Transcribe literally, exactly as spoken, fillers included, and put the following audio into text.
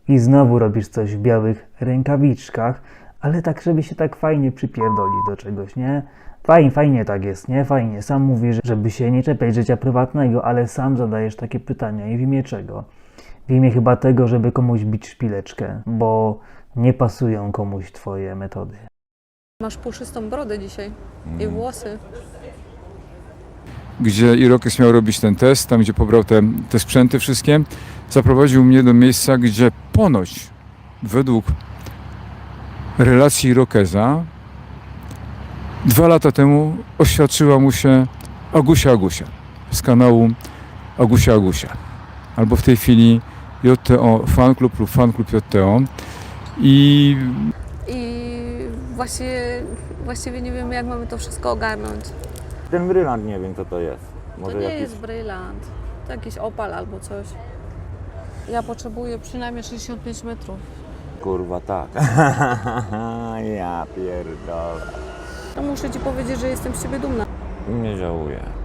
I znowu robisz coś w białych rękawiczkach, ale tak, żeby się tak fajnie przypierdolić do czegoś, nie? Fajnie, fajnie tak jest, nie? Fajnie. Sam mówisz, żeby się nie czepiać życia prywatnego, ale sam zadajesz takie pytania. I w imię czego? W imię chyba tego, żeby komuś bić szpileczkę, bo nie pasują komuś twoje metody. Masz puszystą brodę dzisiaj i włosy. Gdzie Irokes miał robić ten test, tam gdzie pobrał te, te sprzęty wszystkie, zaprowadził mnie do miejsca, gdzie ponoć według relacji Irokeza dwa lata temu oświadczyła mu się Agusia Agusia z kanału Agusia Agusia. Albo w tej chwili J T O Fanklub lub Fanklub J T O. I I właściwie, właściwie nie wiemy, jak mamy to wszystko ogarnąć. Ten brylant nie wiem co to jest. To Może nie jakiś... jest brylant, to jakiś opal albo coś. Ja potrzebuję przynajmniej sześćdziesiąt pięć metrów. Kurwa tak. Ja pierdolę. To muszę ci powiedzieć, że jestem z ciebie dumna. Nie żałuję.